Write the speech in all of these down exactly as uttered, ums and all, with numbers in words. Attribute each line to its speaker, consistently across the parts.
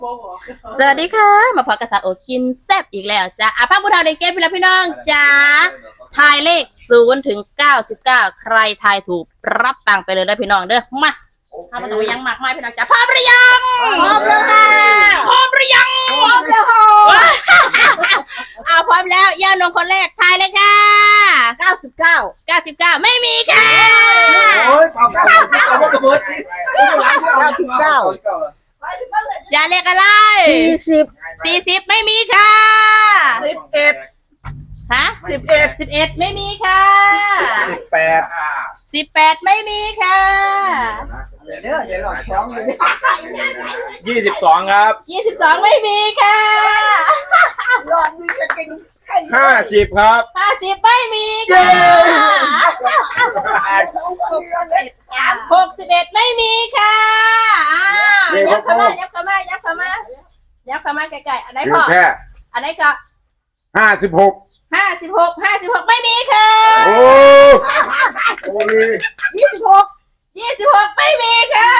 Speaker 1: สวัสดีค่ะมาพบกับสาวโอกินแซ่บอีกแล้วจ้าอาภาพบุญทาในเกมพี่แล้วพี่น้องจ้าทายเลขศูนย์ถึงเก้าสิบเก้าใครทายถูกรับตังค์ไปเลยนะพี่น้องเด้อมาถ้ามันต้องยังมากมายพี่น้องจ้าพร้อมหรือยังพร้อมแล้วค่ะพร้อมหรือยังพร้อมแล้วค่ะเอาพร้อมแล้วย่านงคนแรกทายเลยค่ะเก้าสิบเก้าเก้าสิบเก้าไม่มีค่ะ
Speaker 2: โอ้ยเก้าเก้าเก้าเก้าเบิร์ดเก้าสิบเก้า
Speaker 1: อย่าเลขอะไร
Speaker 2: สี่สิบ
Speaker 1: สี่สิบไม่มีค่ะ
Speaker 2: สิบเอ็ด
Speaker 1: ฮะ
Speaker 2: สิบเอ็ด
Speaker 1: สิบเอ็ดไม่มีค่ะ
Speaker 2: สิบแปด
Speaker 1: สิบแปดไม่มีค่ะ
Speaker 2: เดี๋ยวเดี๋ยวหลอกท้องเลย
Speaker 3: ยี่สิบสองครับ
Speaker 1: ยี่สิบสองไม่มีค่ะ
Speaker 2: หลอดมีกันเป็น
Speaker 3: ห้าสิบครับ
Speaker 1: ห้าสิบไม่มีค่ะหกสิบเอ็ดไม่มีค่ะยับเข้ามายับเข้ามายับเข้ามายับเข้ามาใกล้ๆอันไหนพออันไหนก็
Speaker 3: ห้าสิบหก
Speaker 1: ห้าสิบหกห้าสิบหกไม่มีค่ะ
Speaker 3: โอ้
Speaker 1: ยี่สิบหกยี่สิบหกไม่มีค่ะ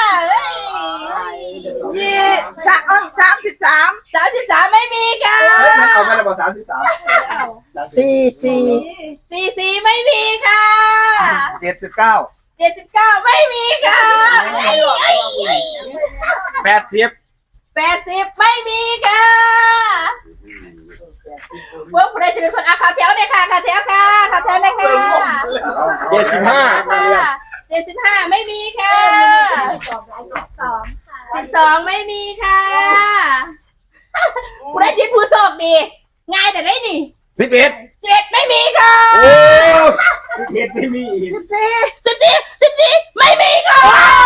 Speaker 2: ยี่สามสามสิบสาม
Speaker 1: สามสิบสามไม่มีค่ะ
Speaker 2: มันเอาไปแล้วบอกสามสิบสามสี่สี่
Speaker 1: สี่สี่ไม่มีค่ะ
Speaker 2: เจ็ดสิบเก้า
Speaker 1: เจ็ดสิบเก้าไม่มีค่ะ
Speaker 3: แปดสิบ
Speaker 1: แปดสิบไม่มีค่ะพวกใครจะเป็นคนอาขาแถวเนี่ยค่ะขาแถวค่ะขาแถวเนี่ยค่ะ
Speaker 3: เจ็ดสิบห้า
Speaker 1: เจ็ดสิบห้าไม่มีค่ะสิบสองไม่มีค่ะผู้ได้จิตผู้โชคดีง่ายแต่ได้นี่
Speaker 3: สิบเอ็ด
Speaker 1: สิบเอ็ดไม่มีค่ะ
Speaker 3: โอ้สิบเอ็ดไม่มี
Speaker 1: สิบสี่สิบสี่สิบสี่ไม่มีค่ะ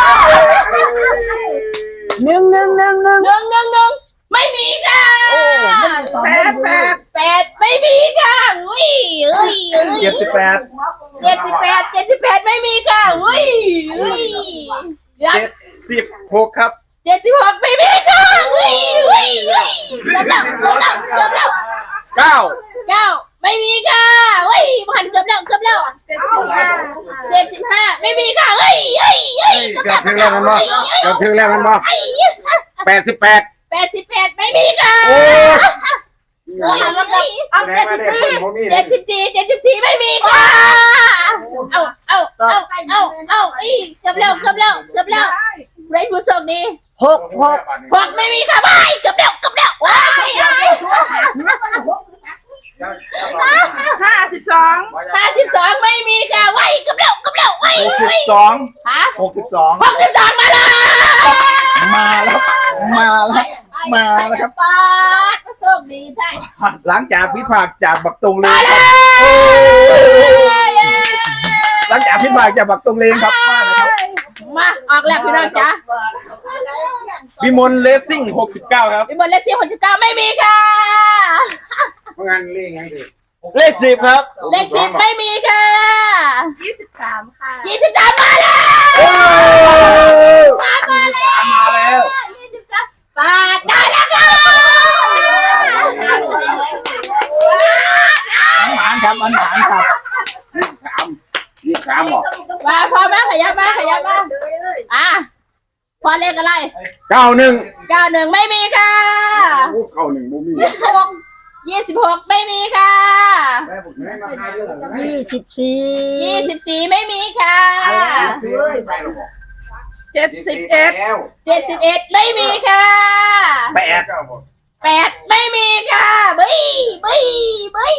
Speaker 2: หนึ่งหนึ่งหนึ่งหนึ่ง
Speaker 1: หนึ่งหนึ่งหนึ่งไม่มีค่ะ
Speaker 2: แปดแปด
Speaker 1: แปดไม่มีค่ะอุ้ยอุ้ยอุ้ย
Speaker 2: เจ็ดสิบแปด
Speaker 1: เจ็ดสิบแปดเจ็ดสิบแปดไม่มีค่ะอุ้ยอุ้ย
Speaker 3: เจ็ดสิบหกครับ
Speaker 1: เจ็ดสิบหกไม่มีค่ะอุ้ยอุ้ยอุ้ยเกือบแล้วเกือบแล้วเกือบแล้ว
Speaker 3: เก้า
Speaker 1: เก้าไม่มีค่ะอุ้ยหันเกือบแล้วเกือบแล้วเจ็ดสิบห้าเจ็ดสิบห้าไม่มีค่ะเฮ้ยเฮ้ยเฮ้ย
Speaker 3: เกือบถึงแล้วมันบ่เกือบถึงแล้วมันบ่แปดสิบแปด
Speaker 1: แปดสิบแปดไม่มีค่ะ
Speaker 2: เอาเจ็ดสิบสี่
Speaker 1: เจ็ดสิบสี่เจ็ดสิบสี่ไม่มีค่ะเอาเอาเอาเอาเอาอีเกือบแล้วเกือบแล้วเกือบแล้วไรผู้โชคดี
Speaker 2: หกหก
Speaker 1: หกไม่มีค่ะไปเกือบแล้วเกือบแล้วว้าย
Speaker 2: ห้าสิบสอง
Speaker 1: ห้าสิบสองไม่มีค่ะว้ายเกือบแล้วเกือบแล้วว้าย
Speaker 2: หกสิบสอง
Speaker 1: ฮะ
Speaker 2: หกสิบสอง
Speaker 1: หกสิบสองมาแล้ว
Speaker 2: มาแล้วมาแล้วมาแล้วครับ
Speaker 1: ป้าโชคดีใช่
Speaker 2: หลังจากพิพากจากบักตรงเลงครับหลังจากพิพากจากบักตรงเลงครับ
Speaker 1: มาออกแล้วพี่น้องจ้า
Speaker 3: วิมลเลสซิ่งหกสิบเก้าครับ
Speaker 1: วิมลเลสซิ่งหกสิบเก้าไม่มีค่ะ
Speaker 3: งานเลขยังดีเลขสิบครับ
Speaker 1: เลขสิบไม่มีค่ะ
Speaker 2: ยี่สิบสามค่ะ
Speaker 1: ยี่สิบสามมาแล้วมามาแล้ว
Speaker 3: มาแล้ว
Speaker 1: ยี่สิบสามปาดได้แล้วค่ะ
Speaker 2: อันหมานครับอันหมานครับ
Speaker 3: ยี่สิบสามยี่สิบสามหรอ
Speaker 1: มาพอมาขยับมาขยับมาอ่ะพอเลขอะไร
Speaker 3: เก้าหนึ่ง
Speaker 1: เก้าหนึ่งไม่มีค่ะ
Speaker 3: เก้าหนึ่งไม่มี
Speaker 1: ยี่สิบหกไม่มีค่ะ
Speaker 2: ยี่สิบสี่
Speaker 1: ยี่สิบสี่ไม่มีค่ะ
Speaker 2: เจ็ดสิบเอ็ด
Speaker 1: เจ็ดสิบเอ็ดไม่มีค่ะ
Speaker 2: แปด
Speaker 1: แปดไม่มีค่ะบี้บี้บี้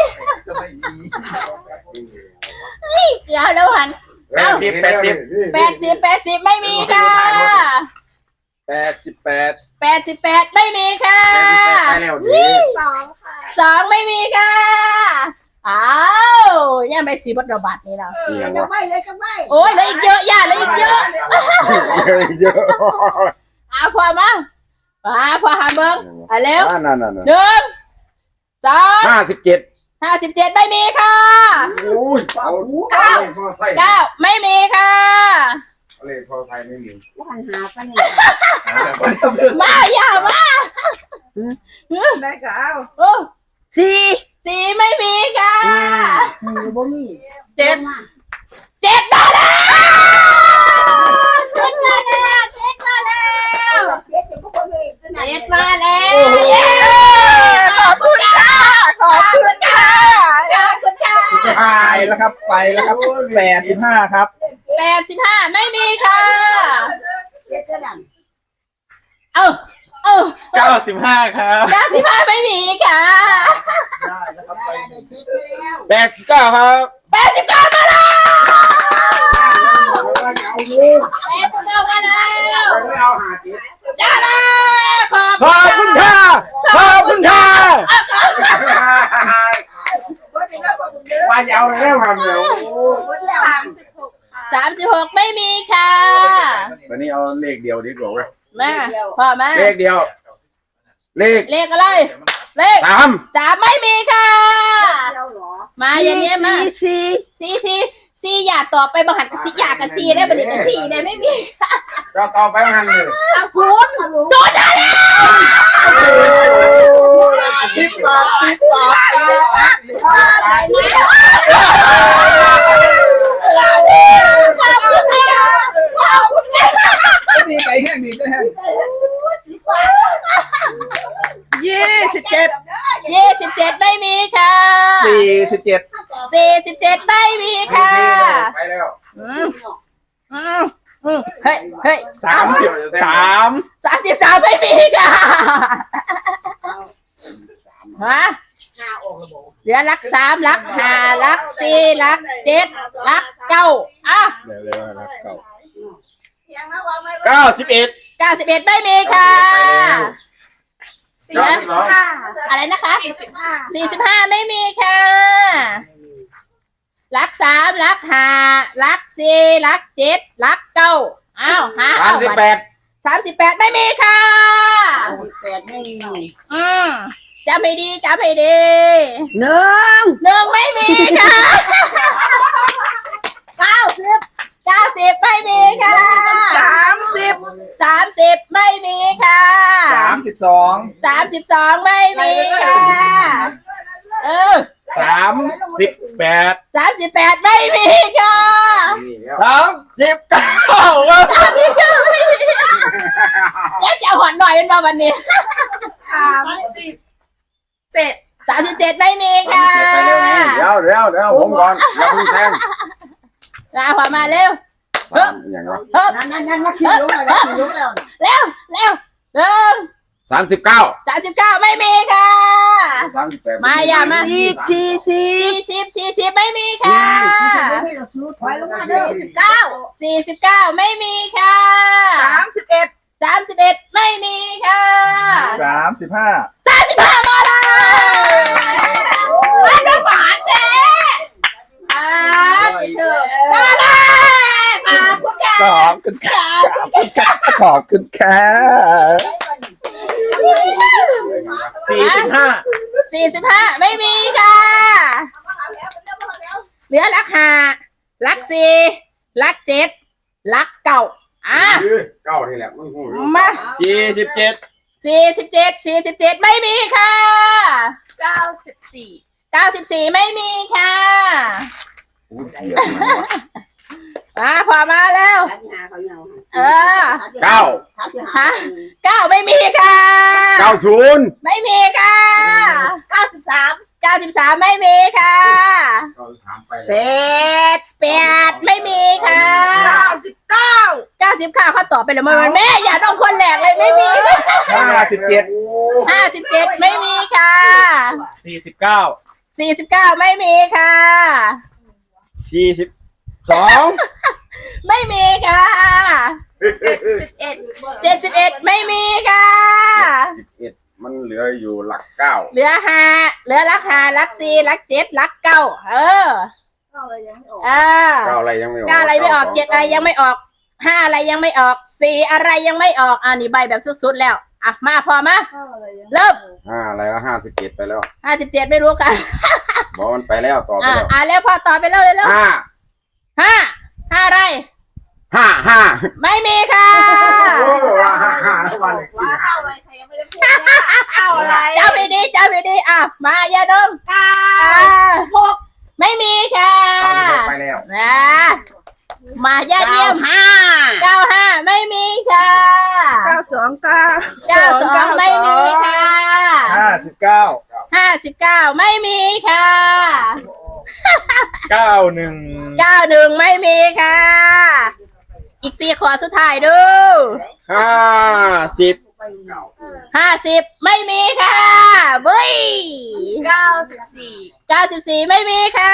Speaker 1: เดี๋ยวแล้วหัน
Speaker 3: แปดสิบแปดสิบ
Speaker 1: แปดสิบแปดสิบไม่มีค่ะ
Speaker 3: แปดสิบแปด
Speaker 1: แปดสิบแปดไม่มีค่ะ
Speaker 2: สองค่ะ
Speaker 1: สองไม่มีค่ะอ้าวยังไม่สีบัตรระบาดนี่เรา
Speaker 2: จะไม่เลยจะไม่
Speaker 1: โอ้ยเลยอีกเยอะย่าเลยอีกเยอะ
Speaker 3: เยอะ
Speaker 1: อ้าวพอมาอ่าพอหันเบิ้งอ่ะเร็ว
Speaker 3: หนึ่
Speaker 1: งสอง
Speaker 3: ห้าสิบเจ็ด
Speaker 1: ห้าสิบเจ็ดไม่มีค่ะ
Speaker 3: โอ้ยเก้า
Speaker 1: เก้าไม่มีค่ะ
Speaker 3: เลขโทรไทยไม่มี
Speaker 2: วันหาปะเนี่ย
Speaker 1: มาอย่ามา
Speaker 2: ได้ก็เอา
Speaker 1: สี่สี่ไม่มีค่ะ
Speaker 2: บ่มี
Speaker 1: เจ็ดเจ็ดมาแล้วเจ็ดมาแล้วเจ็ดมาแล้วมาแล้ว
Speaker 4: ขอบคุณค่ะขอบคุณค่ะ
Speaker 1: ขอบคุณค่ะ
Speaker 2: ไปแล้วครับไปแล้วครับแปดสิบห้าครับ
Speaker 1: แปดสิบห้าไม่มีค่ะเอ้าเอ้า
Speaker 2: เก้าสิบห้าครับ
Speaker 1: เก้าสิบห้าไม่มีค่ะ
Speaker 2: ได้แล้วครับไปแปดสิบเก้าครับ
Speaker 1: แปดสิบเก้ามาแล้วแปดสิบเก้ามาแล้วได้แล้วขอบ
Speaker 3: ขอบคุณค่ะขอบคุณค่ะว่าจะเอาแล้วมันเดี๋ยว
Speaker 1: สามสิบหกไม่มีค่ะ
Speaker 3: วันนี้เอาเลขเดียวดีกว่าเว้ย
Speaker 1: มาพ่อมา
Speaker 3: เลขเดียว เลข
Speaker 1: เลขอะไรเลข
Speaker 3: สาม
Speaker 1: สามไม่มีค่ะมาเย็นๆมา
Speaker 4: สี่
Speaker 1: ซีซีซีอยากตอบไปบังหันกับซีอยากกับซีได้บันนี้กับซีได้ไม่มี
Speaker 3: เราต่อไปมันเลย
Speaker 4: ศูนย์
Speaker 1: ศูนย์ได้แล้ว
Speaker 2: สิบบาทสิบบาท
Speaker 1: ขอบคุณค่ะขอบคุณค่ะ
Speaker 2: ดีไก่แห้งดีไก่แห้ง
Speaker 4: ยี่สิบเจ็ด
Speaker 1: ยี่สิบเจ็ดไม่มีค่ะ
Speaker 2: สี่สิบเจ็ด
Speaker 1: สี่สิบเจ็ดไม่มีค่ะ
Speaker 3: ไปแล้ว
Speaker 1: อืมอืมอืมเฮ้ยเฮ้ย
Speaker 2: สามสิบสาม
Speaker 1: สามสิบสามไม่มีค่ะฮะเหลือลักสามลักห้าลักสี่ลักเจ็ดลักเก้าอ่ะ
Speaker 3: เดี๋ยวเร็วนะเก้า
Speaker 2: เก้าสิบเอ็ด
Speaker 1: เก้าสิบเอ็ดไม่มีค่ะ
Speaker 3: เก้าสิบสอง
Speaker 1: อะไรนะคะสี่สิบห้าไม่มีค่ะลักสามลักห้าลักสี่ลักเจ็ดลักเก้าอ้าวหา
Speaker 3: สามสิบแปด
Speaker 1: สามสิบแปดไม่มีค่ะ
Speaker 4: สิบแปดไม่มี
Speaker 1: อืมจำให้ดีจำให้ดี
Speaker 4: หนึ่ง
Speaker 1: หนึ่งไม่มีค่ะ
Speaker 4: เก้าสิบ
Speaker 1: เก้าสิบไม่มีค่ะ
Speaker 4: สามสิบ
Speaker 1: สามสิบไม่มีค่ะ
Speaker 2: สามสิบสอง
Speaker 1: สามสิบสองไม่มีค่ะเออ
Speaker 2: สามสิบแปด
Speaker 1: สามสิบแปดไม่มีค่ะ
Speaker 3: นี่แล้ว
Speaker 2: สามสิบเก้าครับ
Speaker 1: สามสิบเก้าไม่มีแล้วจะเอาหอนหน่อยเป็นมาวันนี้
Speaker 4: สามสิบเจ็ด
Speaker 1: สามสิบเจ็ดไม่มีค่ะ
Speaker 3: ไปเร็วนี่เดี๋ยวเดี๋ยวเดี๋ยวผมก่อนอย่าเพิ่งแทง
Speaker 1: ลาขวามาเร็วเฮ้ย
Speaker 3: อย่างไร
Speaker 1: เฮ้ย
Speaker 4: นั่นนั่นนั่นมาขี่ลุกแล้วขี่ลุกแล้ว
Speaker 1: เร็วเร็วเร็ว
Speaker 3: สามสิบเก้า
Speaker 1: สามสิบเก้าไม่มีค่ะ
Speaker 3: สามสิบแปด
Speaker 1: มาอย่ามา
Speaker 4: สี่สี่สี่
Speaker 1: สี่สิบสี่สิบไม่มีค่ะ
Speaker 4: ถอยลงมาเด้อสิบเก้า
Speaker 1: สี่สิบเก้าไม่มีค่ะ
Speaker 4: สามสิบเอ็ด
Speaker 1: สามสิบเอ็ดไม่มีค่ะ
Speaker 2: สามสิบห้า
Speaker 1: สามสิบห้ามาแล้วมาดูหวานเจ๊อ่าสิเถอะมาแล้วขอบคุณค่ะ
Speaker 2: ขอบคุณครับขอบคุณครับสี่สิบห้า
Speaker 1: สี่สิบห้าไม่มีค่ะ เหลือลักห้าลักสี่ลักเจ็ดลักเก้าอ่ะ
Speaker 3: เก้านี่แหละมึงหู
Speaker 1: มา
Speaker 2: สี่สิบเจ็ด
Speaker 1: สี่สิบเจ็ดสี่สิบเจ็ดไม่มีค่ะ
Speaker 4: เก้าสิบสี่
Speaker 1: เก้าสิบสี่ไม่มีค่ะมาพอมาแล้ว เออ
Speaker 3: เก้า
Speaker 1: ฮะเก้าไม่มีค่ะ
Speaker 3: เก้าศูนย์
Speaker 1: ไม่มีค่ะ
Speaker 4: เก้าสิบสาม
Speaker 1: เก้าสิบสามไม่มีค่ะ
Speaker 4: แปด
Speaker 1: แปดไม่มีค่ะ
Speaker 4: เก้าสิบเก้า
Speaker 1: เก้าสิบข้าเขาตอบไปแล้วมันแม่อย่าต้องคนแหลกเลยไม่มี
Speaker 2: ห้าสิบเจ็ด
Speaker 1: ห้าสิบเจ็ดไม่มีค่ะ
Speaker 2: สี่สิบเก้า
Speaker 1: สี่สิบเก้าไม่มีค่ะ
Speaker 2: สี่สิบสอง
Speaker 1: ไม่มีค่ะ
Speaker 4: เจ็ดสิบเอ็ด
Speaker 1: เจ็ดสิบเอ็ดไม่มีค่ะ
Speaker 3: สิบเอ็ดมันเหลืออยู่หลักเก้า
Speaker 1: เหลือห้าเหลือลักห้าลักสี่ลักเจ็ดลักเก้าเออเออ
Speaker 3: เก้าอะไรยังไม่ออก
Speaker 1: เก้าอะไรไม่ออกเจ็ดอะไรยังไม่ออกห้าอะไรยังไม่ออกสี่อะไรยังไม่ออกอ่านี่ใบแบบสุดๆแล้วอ่ะมาพอมาเริ่ม
Speaker 3: ห้าอะไรแล้วห้าสิบเจ็ดไปแล้ว
Speaker 1: ห้าสิบเจ็ดไม่รู้ค่ะ
Speaker 3: บอกมันไปแล้วต่อไป
Speaker 1: อ่า
Speaker 3: แล้ว
Speaker 1: อ่าแล้วพอต่อไปเร็วเลยเร็ว
Speaker 3: ห้า
Speaker 1: ห้าห้าอะไร
Speaker 3: ห้าห้า
Speaker 1: ไม่มีค่ะ
Speaker 3: ห้าห้าวัน
Speaker 4: ว้าเก้าอะไรใครยังไม่ได้พูดเก้าอะไร
Speaker 1: เจ้าพีดีเจ้าพีดีอ่ะมาอย่าดม
Speaker 4: เก้า
Speaker 1: อ่าหกไม่มีค่ะ
Speaker 3: ไปแล้ว
Speaker 1: นะมายาเยี่ยม
Speaker 4: ห้า
Speaker 1: เก้าห้าไม่มีค่ะ
Speaker 4: เก้าสองเก้า
Speaker 1: เก้าสองไม่มีค่ะ
Speaker 2: ห้าสิบเก้า
Speaker 1: ห้าสิบเก้าไม่มีค่ะ
Speaker 2: เก้าหนึ่ง
Speaker 1: เก้าหนึ่งไม่มีค่ะ อีกสี่ขอสุดท้ายดู
Speaker 3: ห้าสิบ
Speaker 1: ห้าสิบไม่มีค่ะเบ้ย
Speaker 4: เก้าสิบสี่
Speaker 1: เก้าสิบสี่ไม่มีค่ะ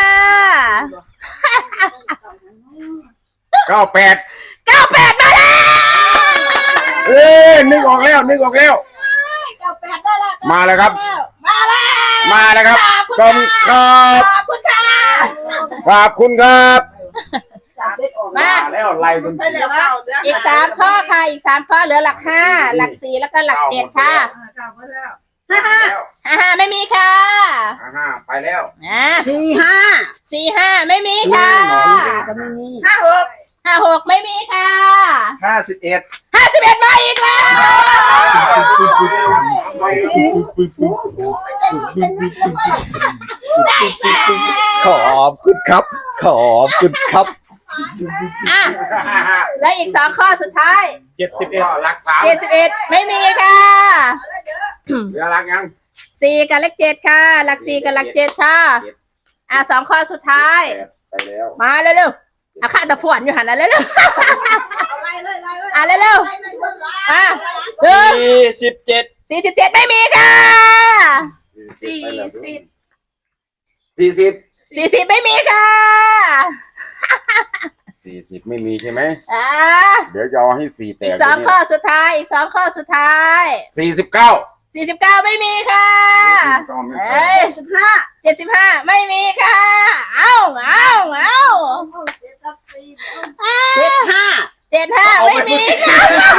Speaker 3: เก้าแปด
Speaker 1: เก้าแปดมาแล้ว
Speaker 3: เอ้ยนึกออกแล้วนึกออกแล้ว
Speaker 1: เก้าแปดได้แล้ว
Speaker 3: มาแล้วครับ
Speaker 1: มาแล้ว
Speaker 3: มาแล้วครับกอมครับ
Speaker 1: ขอบคุณค่ะ
Speaker 3: ขอบคุณครับ
Speaker 1: มา
Speaker 3: แล้วไล่เป็น
Speaker 1: อีกสามข้อค่ะอีกสามข้อเหลือหลักห้าหลักสี่แล้วก็หลักเจ็ดค่ะห้าห้าไม่มีค่ะ
Speaker 3: ห้าไปแล้ว
Speaker 1: อ่า
Speaker 4: สี่ห้า
Speaker 1: สี่ห้าไม่มีค่ะ
Speaker 4: ห้าหก
Speaker 1: ห้าหกไม่มีค่ะ
Speaker 2: ห้าสิบเอ็ด
Speaker 1: ห้าสิบเอ็ดมาอีกแล้ว
Speaker 3: ขอบคุณครับ ขอบคุณครับ
Speaker 1: อ่ะแล้วอีกสองข้อสุดท้าย
Speaker 2: เจ็ดสิบเอ็ด
Speaker 3: รักสาม
Speaker 1: เจ็ดสิบเอ็ดไม่มีค่ะ
Speaker 3: เหลือรักยัง
Speaker 1: สี่กับเลขเจ็ดค่ะ หลักสี่กับหลักเจ็ดค่ะ อ่ะสองข้อสุดท้าย
Speaker 3: ไปแล้ว
Speaker 1: มาเร็วๆอ่ะข้าตะฝวนอยู่หันแล้วเร็วๆอ่ะเร็วๆอ่ะหนึ่ง
Speaker 3: สี่สิบเจ็ด
Speaker 1: สี่สิบเจ็ดไม่มีค่ะ
Speaker 3: สี่สิบสี่สิบ
Speaker 1: สี่สิบไม่มีค่ะ
Speaker 3: สี่สิบไม่มีใช่ไหม
Speaker 1: อ่ะ
Speaker 3: เดี๋ยวจะเอาให้สี่แต
Speaker 1: อี
Speaker 3: ก
Speaker 1: กสองข้อสุดท้ายอีกสองข้อสุดท้าย
Speaker 3: สี่สิบเก้า
Speaker 1: สี่สิบเก้าไม่มีค่ะเอ้ย
Speaker 4: สิบห้า
Speaker 1: เจ็ดสิบห้าไม่มีค่ะ เอ้าเอ้าเอ้า
Speaker 4: เจ็ดห้า
Speaker 1: เจ็ดห้าไม่มีค่ะ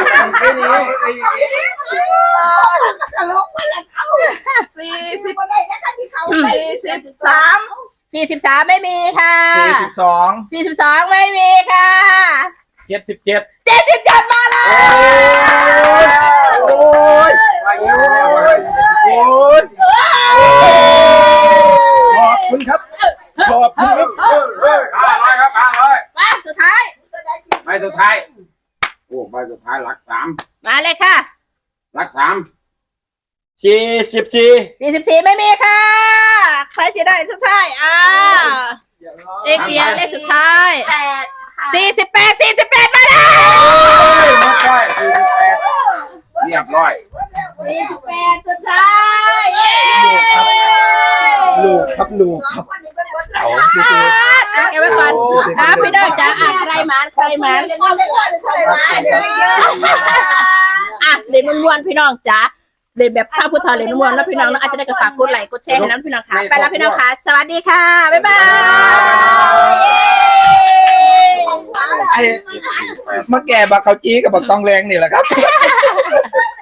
Speaker 4: สี่สิบสี่สิบสาม
Speaker 1: สี่สิบสามไม่มีค่ะ
Speaker 2: สี่สิบสอง
Speaker 1: สี่สิบสองไม่มีค่ะ
Speaker 2: เจ็ดสิบเจ็ด
Speaker 1: เจ็ดสิบเจ็ดมาแล้ว
Speaker 3: โอ้ยไปแล้ว
Speaker 2: โอ้ยขอบคุณครับ ขอบคุณครับ
Speaker 3: ห้าร้อยครับห้าร้อย
Speaker 1: มาสุดท้าย
Speaker 3: ใบสุดท้ายโอ้ใบสุดท้ายหลักสาม
Speaker 1: มาเลยค่ะ
Speaker 3: หลักสามสี่สิบสี่
Speaker 1: สี่สิบสี่ไม่มีค่ะ ใครจะได้สุดท้ายอ่าเลขเดียวเลขสุดท้ายสี่สิบแปดสี่สิบแปดมาแล้ว
Speaker 3: หมดไปสี่สิบแปดเรียบร้อย
Speaker 1: สี่สิบแปดสุดท้ายเย้
Speaker 2: ลูกครับลูกครับเอาสิ
Speaker 1: อ่ะเก็บไว้ก่อนนะพี่น้องจ๋าอ่ะใครหมานใครหมานอ่ะเล่นม้วนๆพี่น้องจ๋าเล่นแบบข้าวพุทธาเล่นม้วนๆแล้วพี่น้องเนาะอาจจะได้กระฝากกดไลค์กดแชร์ให้น้องพี่น้องค่ะไปแล้วพี่น้องค่ะสวัสดีค่ะบ๊ายบาย
Speaker 2: ไอ้มาแก่บักเขาจี้กับบักตองแรงนี่แหละครับ